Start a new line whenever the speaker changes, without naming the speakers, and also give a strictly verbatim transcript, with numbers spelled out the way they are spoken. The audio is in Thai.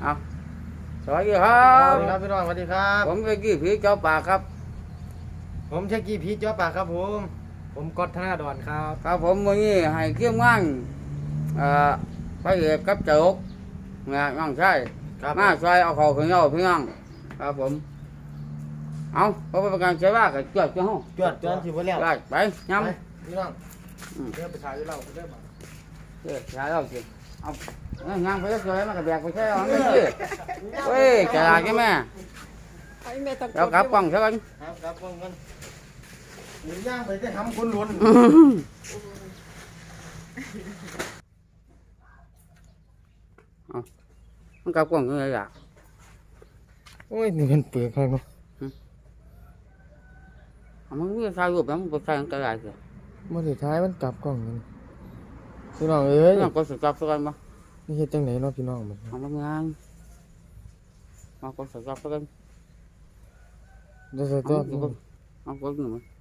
เอาสวัสดีครั
ส
บ
วัสดีครับพี่น้องสวัสดีครับ
ผมเวกี้ผีเจ้าป่าครับ
ผมเชคกี้พีชจ้อปากครับผมผมกอดธนาดอนครับ
ครับผมวันนี้ให้เกี่ยมงานเอ่อพระเอกกับเจ้าอกนะน้องชาย
ครับ
มาซอยเอาเขาขึ้นเอาพี่น้องครับผมเอาเพราะเป็นการใช้ว่ากับจวดเจ้าห้อง
จวดจวนสิบ่แล้ว
ไปไปย้
ไปพี่น้อง
ำอืม
เดี๋ยวไปถ่ายเราไปเด้อมา
เดี๋ยวใช้เราสิเอาเอาย่างไปสวยๆมันก็แบกไปใช้เอาไม่ใช่เว้ยกระดาษใช่ไหม
ไอ้แม่ต้อง
แล้วกลับกล้องใช่ไหม
ครับครับป้องกันหมุนย่างไปได้ทำคนล้วน
มันกลับกล้องยังไงล่ะ
โอ้ยนี่มันเปลือกครับเนาะ
เอามันมีใส่รูปแล้วมันไปใส่กระดาษสิ
เมื่อสุดท้ายมันกลับกล้องนี่พี่น้องเอ้ย
น้องก็สุดจับสักกันมา
นี่เฮ็ดจังไหนเนาะพี่น้องมัน
เอาทำงานมาก็สุดจับสักกัน
เดี๋ยวจะ
เอา
ตัว
เอาเอาก็หนึ่ง